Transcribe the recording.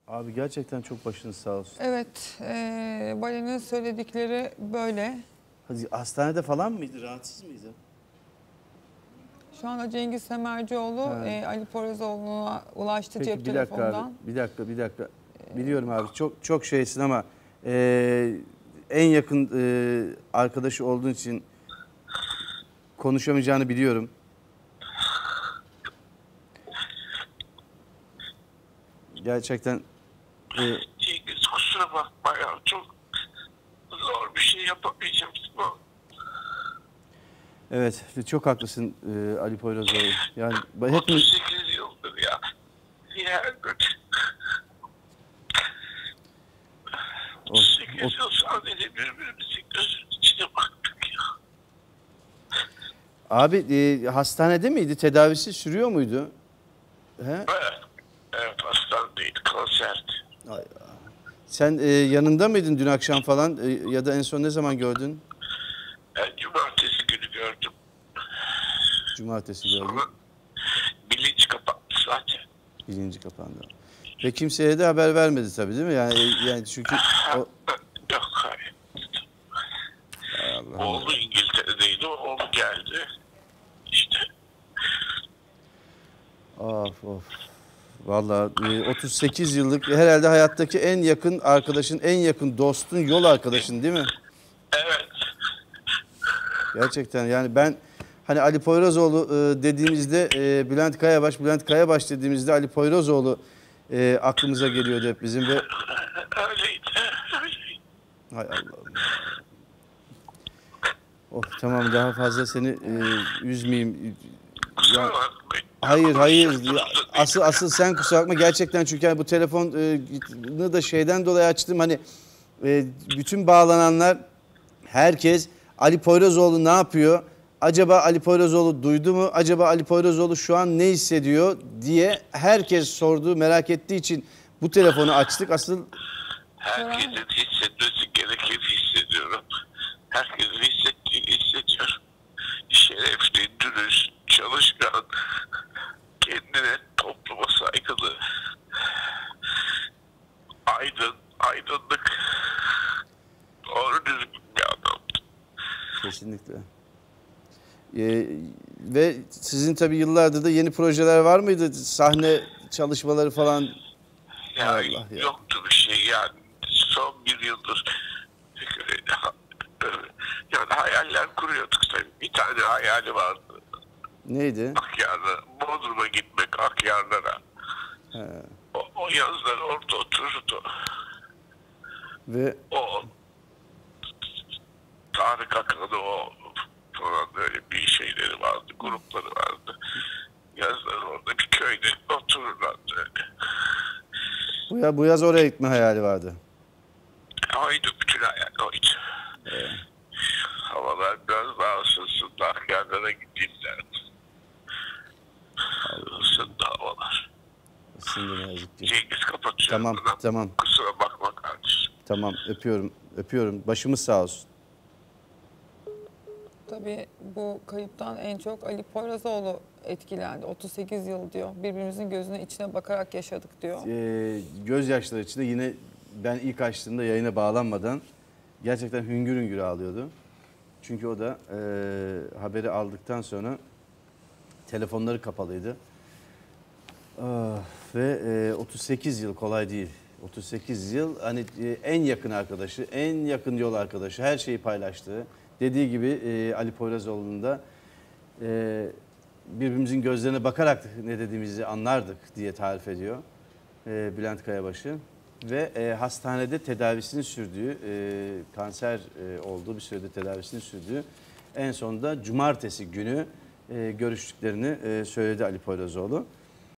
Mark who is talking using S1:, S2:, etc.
S1: Abi gerçekten çok başınız sağ olsun.
S2: Evet, Balen'in söyledikleri böyle.
S1: Hastanede falan mıydı? Rahatsız mıydı?
S2: Şu anda Cengiz Semercioğlu Ali Poyrazoğlu'na ulaştı
S1: Peki,
S2: cep
S1: bir dakika
S2: telefonundan.
S1: abi. Bir dakika. Biliyorum abi, çok şeysin ama en yakın arkadaşı olduğun için konuşamayacağını biliyorum. Gerçekten
S3: Cengiz, kusura bakma ya. Çok zor bir şey yapamayacağım.
S1: evet, çok haklısın Ali Poyrazoğlu. Yani hepimiz
S3: 38 yıldır ya. Her gün. 38 yıl sadece birbirimizin gözünün içine baktık ya.
S1: abi hastanede miydi? Tedavisi sürüyor muydu? He?
S3: Evet. Evet, hastanedeydi. Kanserdi.
S1: Ay, sen yanında mıydın dün akşam falan ya da en son ne zaman gördün?
S3: Ben cumartesi günü gördüm.
S1: Cumartesi gördüm.
S3: Sonra bilinç kapattı zaten.
S1: Bilinci kapandı. Ve kimseye de haber vermedi tabii, değil mi? Yani çünkü o...
S3: Yok, hayır.
S1: Allah
S3: Oğlu İngiltere'deydi. Oğlu geldi. İşte.
S1: Of. Vallahi 38 yıllık herhalde hayattaki en yakın arkadaşın, en yakın dostun, yol arkadaşın, değil mi?
S3: Evet.
S1: Gerçekten yani ben hani Ali Poyrazoğlu dediğimizde Bülent Kayabaş dediğimizde Ali Poyrazoğlu aklımıza geliyordu hep bizim ve
S3: Öyleydi.
S1: hay Allah'ım. Of, tamam, daha fazla seni üzmeyeyim.
S3: Kusura bakmayın.
S1: Hayır. Asıl sen kusura bakma gerçekten, çünkü yani bu telefonu da şeyden dolayı açtım. Hani bütün bağlananlar, herkes Ali Poyrazoğlu ne yapıyor? Acaba Ali Poyrazoğlu duydu mu? Acaba Ali Poyrazoğlu şu an ne hissediyor diye herkes sorduğu, merak ettiği için bu telefonu açtık. Asıl
S3: Herkesin hissetmesi gerekir hissediyorum. Herkesin hissettiğini hissediyorum. Şerefli, dürüst, çalışkan, kendine, topluma saygılı, aydınlık, doğru düzgün bir adamdı.
S1: kesinlikle. Ve sizin tabii yıllardır da yeni projeler var mıydı? Sahne çalışmaları falan.
S3: Yani
S1: Allah ya.
S3: yoktu bir şey yani. Son bir yıldır yani hayaller kuruyorduk tabii. Bir tane hayali vardı.
S1: Neydi?
S3: Akyar'a, Bodrum'a gitmek, Akyar'lara. O yazlar orada otururdu.
S1: Ve
S3: O Tarık Akan'ı o falan böyle bir şeyleri vardı, grupları vardı. Yazlar orada bir köyde otururlardı öyle.
S1: bu yaz oraya gitme hayali vardı.
S3: Oydu, bütün hayal oydu. Havalar biraz daha ısınsın da Akyar'lara gideyim derdim. Isındı havalar.
S1: Isındı ne yazık ki.
S3: Cengiz, kapatıyorum.
S1: Tamam.
S3: Kusura bakma kardeşim.
S1: Tamam, öpüyorum. Başımız sağ olsun.
S2: Tabii bu kayıptan en çok Ali Poyrazoğlu etkilendi. 38 yıl diyor. Birbirimizin gözüne içine bakarak yaşadık diyor.
S1: Gözyaşları içinde yine ben ilk açtığımda yayına bağlanmadan gerçekten hüngür hüngür ağlıyordu. Çünkü o da haberi aldıktan sonra telefonları kapalıydı. Ve 38 yıl kolay değil. 38 yıl hani en yakın arkadaşı, en yakın yol arkadaşı, her şeyi paylaştığı. Dediği gibi Ali Poyrazoğlu'nun da birbirimizin gözlerine bakarak ne dediğimizi anlardık diye tarif ediyor Bülent Kayabaş'ı. Ve hastanede tedavisini sürdüğü, kanser olduğu bir sürede tedavisini sürdüğü, en sonunda cumartesi günü görüştüklerini söyledi Ali Poyrazoğlu.